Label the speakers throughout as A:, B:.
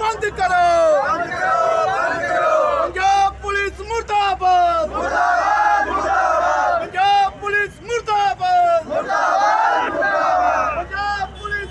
A: बंद करो पंजाब पुलिस मुर्दाबाद पंजाब पुलिस मुर्दाबाद पंजाब पुलिस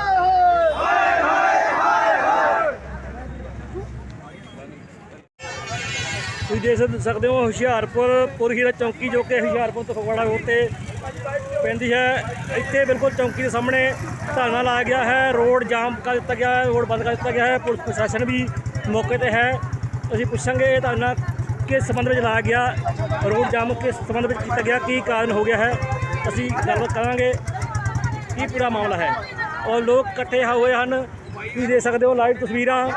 B: ਤੁਸੀਂ ਦੇਖ ਸਕਦੇ ਹੋ ਹੁਸ਼ਿਆਰਪੁਰ ਪੁਰਹੀਰਾ ਚੌਂਕੀ ਜੋ ਕਿ ਹੁਸ਼ਿਆਰਪੁਰ ਤੋਂ ਫਗਵਾੜਾ ਰੋਡ ਤੇ ਪੈਂਦੀ ਹੈ। ਇੱਥੇ ਬਿਲਕੁਲ ਚੌਂਕੀ ਦੇ ਸਾਹਮਣੇ ਧਰਨਾ ਲਾਇਆ ਗਿਆ ਹੈ। ਰੋਡ ਜਾਮ ਕਰ ਦਿੱਤਾ ਗਿਆ ਹੈ, ਰੋਡ ਬੰਦ ਕਰ ਦਿੱਤਾ ਗਿਆ ਹੈ। ਪੁਲਿਸ ਪ੍ਰਸ਼ਾਸਨ ਵੀ ਮੌਕੇ ਤੇ ਹੈ। ਅਸੀਂ ਪੁੱਛਾਂਗੇ ਇਹ ਧਰਨਾ ਕਿਸ ਸੰਬੰਧ ਵਿੱਚ ਲਾਇਆ ਗਿਆ, ਰੋਡ ਜਾਮ ਕਿਸ ਸੰਬੰਧ ਵਿੱਚ ਕੀਤਾ ਗਿਆ, ਕੀ ਕਾਰਨ ਹੋ ਗਿਆ ਹੈ। ਅਸੀਂ ਗੱਲਬਾਤ ਕਰਾਂਗੇ ਕੀ ਪੂਰਾ ਮਾਮਲਾ ਹੈ। ਔਰ ਲੋਕ ਇਕੱਠੇ ਹੋਏ ਹਨ, ਤੁਸੀਂ ਦੇਖ ਸਕਦੇ ਹੋ ਲਾਈਵ ਤਸਵੀਰਾਂ।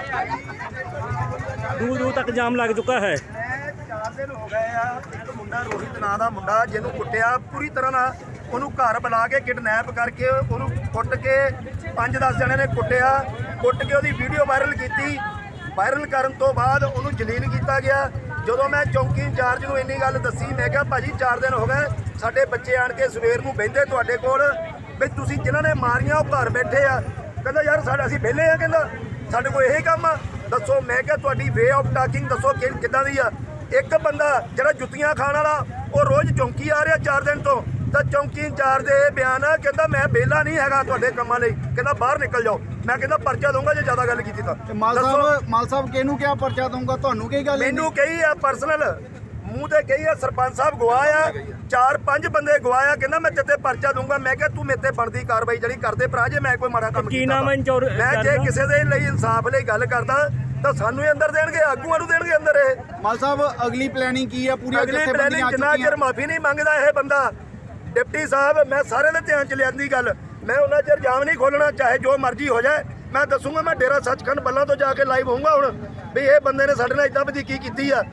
B: दूर दूर तक जाम लग चुका है।
A: 4 दिन हो गए आ। एक मुंडा रोहित ਨਾਂ ਦਾ ਮੁੰਡਾ ਜਿਹਨੂੰ ਕੁੱਟਿਆ ਪੂਰੀ ਤਰ੍ਹਾਂ ਨਾਲ, ਉਹਨੂੰ ਘਰ ਬੁਲਾ ਕੇ ਕਿਡਨੈਪ ਕਰਕੇ ਉਹਨੂੰ ਕੁੱਟ ਕੇ 5-10 ਜਣੇ ਨੇ ਕੁੱਟਿਆ, ਕੁੱਟ ਕੇ ਉਹਦੀ ਵੀਡੀਓ ਵਾਇਰਲ ਕੀਤੀ। ਵਾਇਰਲ ਕਰਨ ਤੋਂ ਬਾਅਦ ਉਹਨੂੰ ਜਲੀਲ ਕੀਤਾ ਗਿਆ। ਜਦੋਂ ਮੈਂ ਚੌਂਕੀ ਇੰਚਾਰਜ ਨੂੰ ਇੰਨੀ ਗੱਲ ਦੱਸੀ, ਮੈਂ ਕਿਹਾ ਭਾਜੀ 4 ਦਿਨ ਹੋ ਗਏ, ਸਾਡੇ ਬੱਚੇ ਆਣ ਕੇ ਸਵੇਰ ਨੂੰ ਬਹਿੰਦੇ ਤੁਹਾਡੇ ਕੋਲ ਵੀ ਤੁਸੀਂ ਜਿਨ੍ਹਾਂ ਨੇ ਮਾਰੀਆਂ ਉਹ ਘਰ ਬੈਠੇ ਆ। ਕਹਿੰਦਾ ਯਾਰ ਅਸੀਂ ਵਿਹਲੇ ਆ, ਕਹਿੰਦਾ ਸਾਡੇ ਕੋਲ ਇਹੀ ਕੰਮ ਆ, ਦੱਸੋ। ਮੈਂ ਕਿਹਾ ਤੁਹਾਡੀ ਵੇ ਆਫ ਟਾਕਿੰਗ ਦੱਸੋ ਕਿੱਦਾਂ ਦੀ ਆ। ਇੱਕ ਬੰਦਾ ਜਿਹੜਾ ਜੁੱਤੀਆਂ ਖਾਣ ਵਾਲਾ ਉਹ ਰੋਜ਼ ਚੌਂਕੀ ਆ ਰਿਹਾ 4 ਦਿਨ ਤੋਂ, ਤਾਂ ਚੌਂਕੀ ਇੰਚਾਰਜ ਦੇ ਬਿਆਨ ਆ, ਕਹਿੰਦਾ ਮੈਂ ਵਿਹਲਾ ਨਹੀਂ ਹੈਗਾ ਤੁਹਾਡੇ ਕੰਮਾਂ ਲਈ, ਕਹਿੰਦਾ ਬਾਹਰ ਨਿਕਲ ਜਾਓ। ਮੈਂ ਕਹਿੰਦਾ ਪਰਚਾ ਦਊਂਗਾ ਜੇ ਜ਼ਿਆਦਾ ਗੱਲ ਕੀਤੀ ਤਾਂ।
C: ਮਾਲ ਸਾਹਿਬ ਕਿਹਨੂੰ ਕਿਹਾ ਪਰਚਾ ਦਊਂਗਾ, ਤੁਹਾਨੂੰ ਕੀ ਗੱਲ?
A: ਮੈਨੂੰ ਕਹੀ ਆ ਪਰਸਨਲ ਮੂੰਹ ਤੇ ਕਹੀ ਆ, ਸਰਪੰਚ ਸਾਹਿਬ ਗਵਾਇਆ 4-5 ਬੰਦੇ ਗਵਾਇਆ, ਕਹਿੰਦਾ ਮੈਂ ਤੇਤੇ ਪਰਚਾ ਦਊਂਗਾ। ਮੈਂ ਕਿਹਾ ਤੂੰ ਮੇਰੇ ਤੇ ਬਣਦੀ ਕਾਰਵਾਈ ਜਿਹੜੀ ਕਰਦੇ ਭਰਾ, ਜੇ ਮੈਂ ਕੋਈ ਮਾੜਾ ਕੰਮ ਕੀਤਾ ਮੈਂ ਜੇ ਕਿਸੇ ਦੇ ਲਈ ਇਨਸਾਫ ਲਈ ਗੱਲ ਕਰਦਾ ਤਾਂ ਸਾਨੂੰ ਹੀ ਅੰਦਰ ਦੇਣਗੇ, ਆਗੂਆਂ ਨੂੰ ਦੇਣਗੇ ਅੰਦਰ। ਇਹ
C: ਮਾਲ ਸਾਹਿਬ ਅਗਲੀ ਪਲੈਨਿੰਗ ਕੀ ਆ? ਪੂਰੀ
A: ਅਗਲੀ ਪਲੈਨਿੰਗ ਜਿੰਨਾ ਚਿਰ ਮਾਫੀ ਨਹੀਂ ਮੰਗਦਾ ਇਹ ਬੰਦਾ, ਡਿਪਟੀ ਸਾਹਿਬ, ਮੈਂ ਸਾਰਿਆਂ ਦੇ ਧਿਆਨ ਚ ਲਿਆਂਦੀ ਗੱਲ, ਮੈਂ ਉਹਨਾਂ ਚਿਰ ਜਾਮ ਨਹੀਂ ਖੋਲਣਾ, ਚਾਹੇ ਜੋ ਮਰਜ਼ੀ ਹੋ ਜਾਏ। ਮੈਂ ਦੱਸੂਗਾ, ਮੈਂ ਡੇਰਾ ਸੱਚਖੰਡ ਬੱਲਾਂ ਤੋਂ ਜਾ ਕੇ ਲਾਈਵ ਹੋਊਂਗਾ ਹੁਣ ਵੀ ਇਹ ਬੰਦੇ ਨੇ ਸਾਡੇ ਨਾਲ ਇਦਾਂ ਵਧੀਕੀ ਕੀਤੀ ਆ।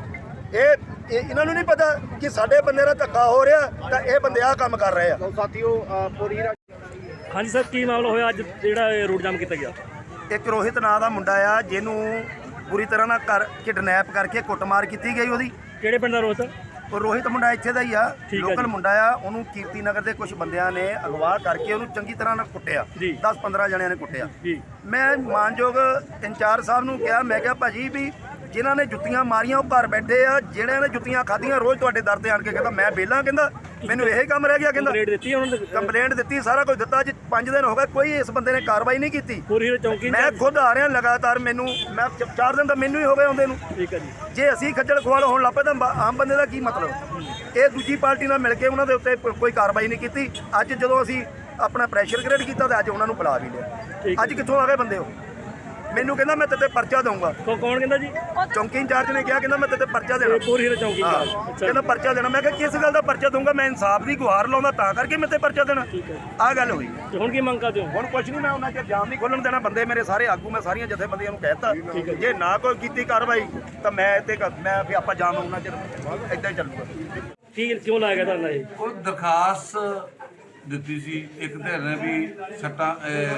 A: ਇਹਨਾਂ ਨੂੰ ਨਹੀਂ ਪਤਾ ਕਿ ਸਾਡੇ ਬੰਦੇ ਨਾਲ ਧੱਕਾ ਹੋ ਰਿਹਾ, ਤਾਂ ਇਹ ਬੰਦੇ ਆਹ ਕੰਮ ਕਰ ਰਹੇ ਆ।
C: ਸਾਥੀਓ ਪੁਰਹੀਰਾ
B: ਹਾਂਜੀ ਸਰ, ਕੀ ਮਾਮਲਾ ਹੋਇਆ ਅੱਜ ਜਿਹੜਾ ਰੋਡ ਜਾਮ ਕੀਤਾ ਗਿਆ?
A: ਇੱਕ ਰੋਹਿਤ ਨਾਂ ਦਾ ਮੁੰਡਾ ਆ, ਜਿਹਨੂੰ ਪੂਰੀ ਤਰ੍ਹਾਂ ਨਾਲ ਕਿਡਨੈਪ ਕਰਕੇ ਕੁੱਟਮਾਰ ਕੀਤੀ ਗਈ ਉਹਦੀ।
B: ਕਿਹੜੇ ਪਿੰਡ ਦਾ ਰੋਹਿਤ?
A: ਉਹ ਰੋਹਿਤ ਮੁੰਡਾ ਇੱਥੇ ਦਾ ਹੀ ਆ, ਲੋਕਲ ਮੁੰਡਾ ਆ। ਉਹਨੂੰ ਕੀਰਤੀ ਨਗਰ ਦੇ ਕੁਝ ਬੰਦਿਆਂ ਨੇ ਅਗਵਾ ਕਰਕੇ ਉਹਨੂੰ ਚੰਗੀ ਤਰ੍ਹਾਂ ਨਾਲ ਕੁੱਟਿਆ, 10-15 ਜਣਿਆਂ ਨੇ ਕੁੱਟਿਆ। ਮੈਂ ਮਾਨਯੋਗ ਇੰਚਾਰਜ ਸਾਹਿਬ ਨੂੰ ਕਿਹਾ, ਮੈਂ ਕਿਹਾ ਭਾਜੀ ਵੀ ਜਿਨ੍ਹਾਂ ਨੇ ਜੁੱਤੀਆਂ ਮਾਰੀਆਂ ਉਹ ਘਰ ਬੈਠੇ ਆ, ਜਿਹੜਿਆਂ ਨੇ ਜੁੱਤੀਆਂ ਖਾਧੀਆਂ ਰੋਜ਼ ਤੁਹਾਡੇ ਦਰ ਤੇ ਆਣ ਕੇ ਕਹਿੰਦਾ ਮੈਂ ਵਿਹਲਾ, ਕਹਿੰਦਾ ਮੈਨੂੰ ਇਹ ਕੰਮ ਰਹਿ ਗਿਆ, ਕਹਿੰਦਾ ਕੰਪਲੇਂਟ ਦਿੱਤੀ, ਸਾਰਾ ਕੁਝ ਦਿੱਤਾ। ਅੱਜ 5 ਦਿਨ ਹੋ ਗਏ, ਕੋਈ ਇਸ ਬੰਦੇ ਨੇ ਕਾਰਵਾਈ ਨਹੀਂ ਕੀਤੀ। ਮੈਂ ਖੁਦ ਆ ਰਿਹਾ ਲਗਾਤਾਰ, ਮੈਨੂੰ ਮੈਂ 4 ਦਿਨ ਤਾਂ ਮੈਨੂੰ ਹੀ ਹੋ ਗਏ ਆਉਂਦੇ ਨੂੰ। ਜੇ ਅਸੀਂ ਖੱਜਲ ਖੁਆਲ ਹੋਣ ਲੱਗ ਪਏ ਤਾਂ ਆਮ ਬੰਦੇ ਦਾ ਕੀ ਮਤਲਬ? ਇਹ ਦੂਜੀ ਪਾਰਟੀ ਨਾਲ ਮਿਲ ਕੇ ਉਹਨਾਂ ਦੇ ਉੱਤੇ ਕੋਈ ਕਾਰਵਾਈ ਨਹੀਂ ਕੀਤੀ। ਅੱਜ ਜਦੋਂ ਅਸੀਂ ਆਪਣਾ ਪ੍ਰੈਸ਼ਰ ਕ੍ਰੀਏਟ ਕੀਤਾ ਤਾਂ ਅੱਜ ਉਹਨਾਂ ਨੂੰ ਬੁਲਾ ਵੀ ਲਿਆ। ਅੱਜ ਕਿੱਥੋਂ ਆ ਗਏ ਬੰਦੇ? ਉਹ ਮੈਨੂੰ ਕਹਿੰਦਾ ਮੈਂ ਤੇਤੇ ਪਰਚਾ ਦਊਂਗਾ।
B: ਕੌਣ ਕਹਿੰਦਾ ਜੀ?
A: ਚੌਂਕੀ ਇੰਚਾਰਜ ਨੇ ਕਿਹਾ, ਕਹਿੰਦਾ ਮੈਂ ਤੇਤੇ ਪਰਚਾ ਦੇਣਾ।
B: ਪੁਰਹੀਰਾ ਚੌਂਕੀ
A: ਕਹਿੰਦਾ ਪਰਚਾ ਦੇਣਾ। ਮੈਂ ਕਿਹਾ ਕਿਸ ਗੱਲ ਦਾ ਪਰਚਾ ਦਊਂਗਾ? ਮੈਂ ਇਨਸਾਫ ਦੀ ਗੁਹਾਰ ਲਾਉਂਦਾ ਤਾਂ ਕਰਕੇ ਮੈਂ ਤੇ ਪਰਚਾ ਦੇਣਾ। ਆਹ ਗੱਲ ਹੋਈ।
B: ਹੁਣ ਕੀ ਮੰਗ ਕਰਦੇ ਹੋ?
A: ਹੁਣ ਕੁਝ ਨਹੀਂ, ਮੈਂ ਉਹਨਾਂ ਚਿਰ ਜਾਮ ਨਹੀਂ ਖੋਲਣ ਦੇਣਾ। ਬੰਦੇ ਮੇਰੇ ਸਾਰੇ ਆਗੂ, ਮੈਂ ਸਾਰੀਆਂ ਜਥੇਬੰਦੀਆਂ ਨੂੰ ਕਹਿਤਾ ਜੇ ਨਾ ਕੋਈ ਕੀਤੀ ਕਾਰਵਾਈ ਤਾਂ ਮੈਂ ਫਿਰ ਆਪਾਂ ਜਾਮ ਉਹਨਾਂ ਚਿਰ ਏਦਾਂ ਹੀ ਚੱਲੂਗਾ।
B: ਕਿਉਂ ਲਾਇਆ ਗਿਆ ਧਰਨਾ? ਇਹ
D: ਉਹ ਦਰਖਾਸਤ ਦਿੱਤੀ ਸੀ ਇੱਕ ਧਿਰ ਨੇ ਵੀ ਸੱਟਾਂ,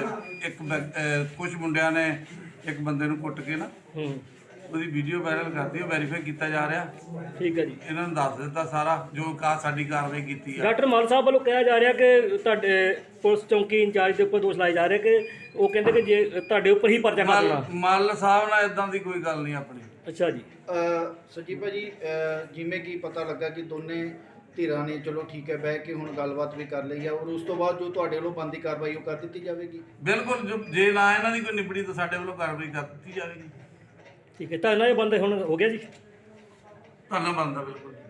D: ਕੁਝ ਮੁੰਡਿਆਂ ਨੇ ਇੱਕ ਬੰਦੇ ਨੂੰ ਕੁੱਟ ਕੇ ਨਾ ਉਹਦੀ ਵੀਡੀਓ ਵਾਇਰਲ ਕਰਤੀ, ਉਹ ਵੈਰੀਫਾਈ ਕੀਤਾ ਜਾ ਰਿਹਾ।
B: ਠੀਕ ਹੈ ਜੀ,
D: ਇਹਨਾਂ ਨੂੰ ਦੱਸ ਦਿੱਤਾ ਸਾਰਾ ਜੋ ਸਾਡੀ ਕਾਰਵਾਈ ਕੀਤੀ ਹੈ।
B: ਡਾਕਟਰ ਮਾਲ ਸਾਹਿਬ ਵੱਲੋਂ ਕਿਹਾ ਜਾ ਰਿਹਾ ਕਿ ਤੁਹਾਡੇ ਪੁਲਿਸ ਚੌਂਕੀ ਇੰਚਾਰਜ ਦੇ ਉੱਪਰ ਦੋਸ਼ ਲਾਏ ਜਾ ਰਹੇ ਕਿ ਉਹ ਕਹਿੰਦੇ ਕਿ ਜੇ ਤੁਹਾਡੇ ਉੱਪਰ ਹੀ ਪਰਚਾ ਕਰ ਦੇਣਾ।
D: ਮਾਲ ਸਾਹਿਬ ਨਾਲ ਇਦਾਂ ਦੀ ਕੋਈ ਗੱਲ ਨਹੀਂ ਆਪਣੀ।
B: ਅੱਛਾ ਜੀ।
C: ਸਚੀ ਭਾਜੀ, ਜਿਵੇਂ ਕਿ ਪਤਾ ਲੱਗਾ ਕਿ ਦੋਨੇ ਧਿਰਾਂ ਨੇ ਚਲੋ ਠੀਕ ਹੈ ਬਹਿ ਕੇ ਹੁਣ ਗੱਲਬਾਤ ਵੀ ਕਰ ਲਈ ਆ, ਔਰ ਉਸ ਤੋਂ ਬਾਅਦ ਜੋ ਤੁਹਾਡੇ ਵੱਲੋਂ ਬਣਦੀ ਕਾਰਵਾਈ ਉਹ ਕਰ ਦਿੱਤੀ ਜਾਵੇਗੀ।
D: ਬਿਲਕੁਲ, ਜੇ ਨਾ ਇਹਨਾਂ ਦੀ ਕੋਈ ਨਿਬੜੀ ਤਾਂ ਸਾਡੇ ਵੱਲੋਂ ਕਾਰਵਾਈ ਕਰ ਦਿੱਤੀ ਜਾਵੇਗੀ।
B: ਠੀਕ ਹੈ, ਧਰਨਾ ਇਹ ਬੰਦ ਹੁਣ ਹੋ ਗਿਆ ਜੀ?
D: ਧੰਨਵਾਦ, ਬਿਲਕੁਲ।